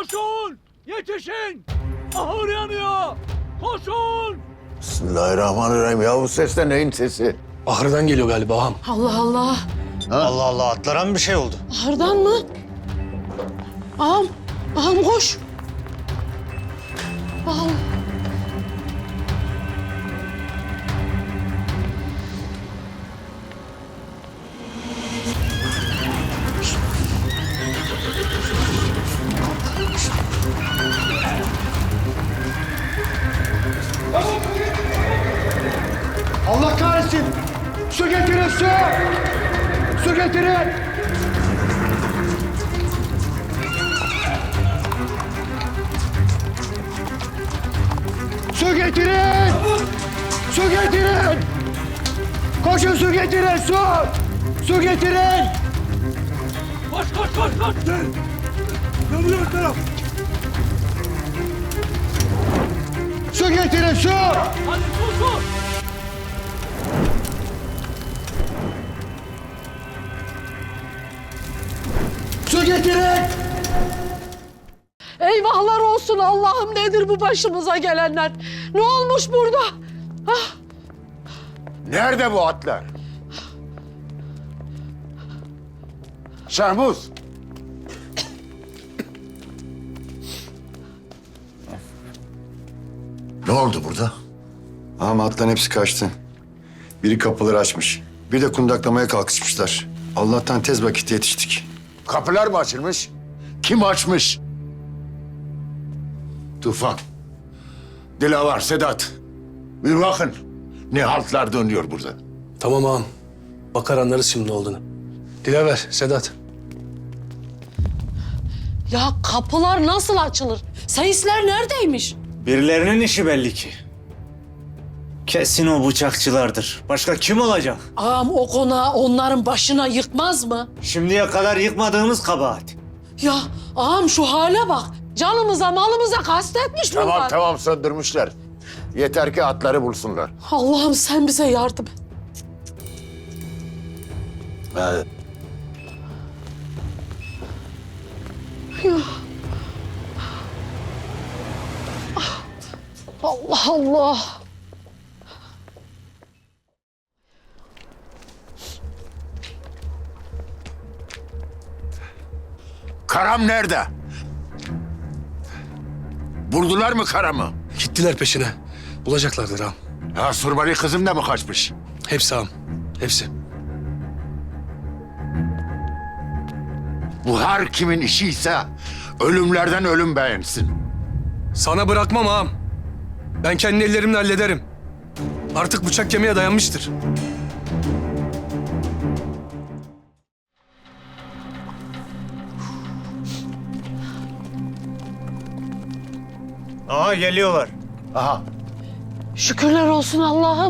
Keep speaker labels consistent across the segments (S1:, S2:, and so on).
S1: Koşun! Yetişin! Ahır yanıyor! Koşun!
S2: Bismillahirrahmanirrahim. Ya bu ses de neyin sesi?
S3: Ahırdan geliyor galiba ağam.
S4: Allah Allah.
S5: Allah Allah, atlara mı bir şey oldu?
S4: Ahırdan mı? Ağam, ağam koş. Ağam.
S6: Allah kahretsin! Su getirin, su! Su getirin! Su getirin! Su getirin! Koşun su getirin, su! Su getirin!
S1: Koş koş koş koş! Yanıyor taraf!
S6: Su getirin, su!
S1: Hadi su su!
S6: Su getirin!
S4: Eyvahlar olsun Allah'ım, nedir bu başımıza gelenler? Ne olmuş burada? Ah,
S2: Nerede bu atlar? Şahmuz. Ne oldu burada?
S7: Ama atların hepsi kaçtı. Biri kapıları açmış. Bir de kundaklamaya kalkışmışlar. Allah'tan tez vakitte yetiştik.
S2: Kapılar mı açılmış? Kim açmış? Tufan. Dilavar, Sedat. Bir bakın. Ne haltlar dönüyor burada.
S3: Tamam ağam. Bakar anlarız şimdi ne olduğunu. Dilaver, Sedat.
S4: ya kapılar nasıl açılır? Seyisler neredeymiş?
S5: Birilerinin işi belli ki. Kesin o bıçakçılardır. Başka kim olacak?
S4: Ağam o konağı onların başına yıkmaz mı?
S5: Şimdiye kadar yıkmadığımız kabahat.
S4: Ya ağam şu hale bak. Canımıza malımıza kastetmiş bunlar.
S2: Tamam tamam söndürmüşler. Yeter ki atları bulsunlar.
S4: Allah'ım sen bize yardım et.
S2: Evet.
S4: Allah Allah.
S2: Karam nerede? Buldular mı Karam'ı?
S3: Gittiler peşine. Bulacaklardır ağam.
S2: Ha Surmali kızım da mı kaçmış?
S3: Hepsi ağam. Hepsi.
S2: Bu her kimin işiyse ölümlerden ölüm beğensin.
S3: Sana bırakmam ağam. Ben kendi ellerimle hallederim. Artık bıçak kemiğe dayanmıştır.
S5: Aha geliyorlar.
S2: Aha.
S4: Şükürler olsun Allah'ım.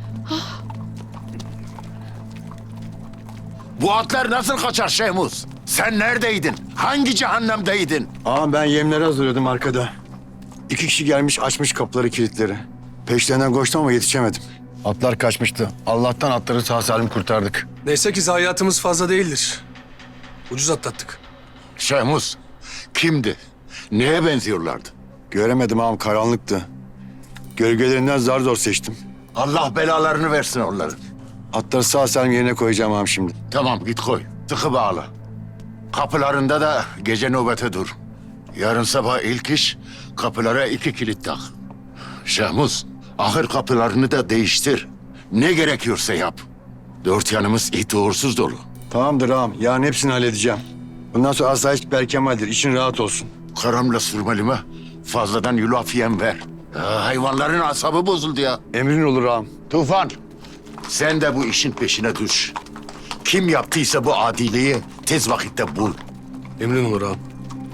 S2: Bu atlar nasıl kaçar Şehmuz? Sen neredeydin? Hangi cehennemdeydin?
S7: Ağam ben yemleri hazırlıyordum arkada. 2 kişi gelmiş açmış kapıları kilitleri. Peşlerinden koştum ama yetişemedim. Atlar kaçmıştı. Allah'tan atları sağ salim kurtardık.
S3: Neyse ki zayiatımız fazla değildir. Ucuz atlattık.
S2: Şehmuz kimdi? Neye benziyorlardı?
S7: Göremedim ağam, karanlıktı. Gölgelerinden zar zor seçtim.
S2: Allah belalarını versin onların.
S7: Atları sağ salim yerine koyacağım ağam şimdi.
S2: Tamam git koy. Sıkı bağla. Kapılarında da gece nöbete dur. Yarın sabah ilk iş kapılara 2 kilit tak. Şahmuz, ahır kapılarını da değiştir. Ne gerekiyorsa yap. 4 yanımız it uğursuz dolu.
S7: Tamamdır ağam. Yarın hepsini halledeceğim. Bundan sonra asayiş berkemaldir. İşin rahat olsun.
S2: Karamla Surmalime fazladan yulaf yem ver. Ya, hayvanların asabı bozuldu ya.
S7: Emrin olur ağam.
S2: Tufan, sen de bu işin peşine düş. Kim yaptıysa bu adiliği tez vakitte bul.
S3: Emrin olur ağam.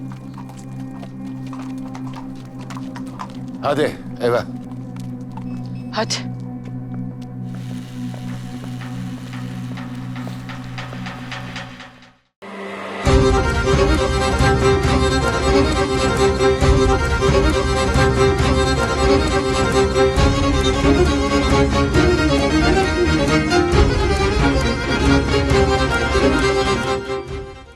S2: Hadi eve.
S4: Hadi.
S8: Müzik